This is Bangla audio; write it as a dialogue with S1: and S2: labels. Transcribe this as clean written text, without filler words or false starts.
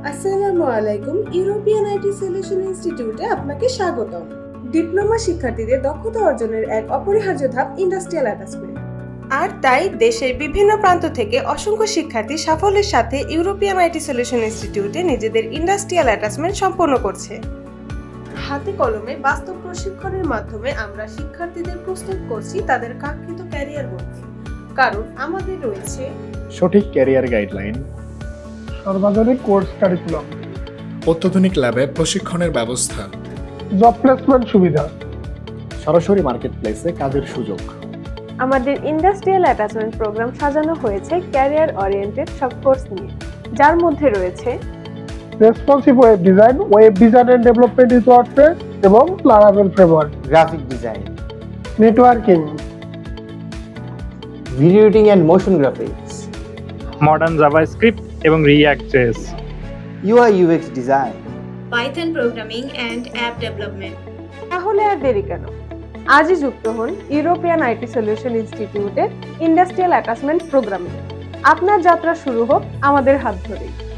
S1: আসসালামু আলাইকুম। ইউরোপিয়ান আইটি সলিউশন ইনস্টিটিউটে আপনাকে স্বাগতম। ডিপ্লোমা শিক্ষার্থীদের দক্ষতা অর্জনের এক অপরিহার্য ধাপ ইন্ডাস্ট্রিয়াল অ্যাটাচমেন্ট। আর তাই দেশের বিভিন্ন প্রান্ত থেকে অসংখ্য শিক্ষার্থী সাফল্যের সাথে ইউরোপিয়ান আইটি সলিউশন ইনস্টিটিউটে নিজেদের ইন্ডাস্ট্রিয়াল অ্যাটাচমেন্ট সম্পন্ন করছে। হাতে কলমে বাস্তব প্রশিক্ষণের মাধ্যমে আমরা শিক্ষার্থীদের প্রস্তুত করছি তাদের কাঙ্ক্ষিত ক্যারিয়ার গড়তে। কারণ আমাদের রয়েছে
S2: সঠিক ক্যারিয়ার গাইডলাইন,
S3: সর্বাধুনিক কোর্স কারিকুলাম,
S2: অত্যাধুনিক ল্যাবে প্রশিক্ষণের ব্যবস্থা,
S3: জব প্লেসমেন্ট সুবিধা,
S2: সরাসরি মার্কেট প্লেসে কাজের সুযোগ।
S1: আমাদের ইন্ডাস্ট্রিয়াল অ্যাটাচমেন্ট প্রোগ্রাম সাজানো হয়েছে ক্যারিয়ার ওরিয়েন্টেড সব কোর্স নিয়ে, যার মধ্যে রয়েছে
S3: responsive web design and development in WordPress এবং Laravel framework,
S4: graphic design,
S3: networking,
S4: video editing and motion graphics,
S5: modern JavaScript এবং React JS,
S4: UI UX design.
S6: Python programming and app development.
S1: তাহলে আর দেরি কেন, আজই যুক্ত হন ইউরোপিয়ান আইটি সলিউশন ইনস্টিটিউটের ইন্ডাস্ট্রিয়াল অ্যাটাচমেন্ট প্রোগ্রামে। আপনার যাত্রা শুরু হোক আমাদের হাত ধরেই।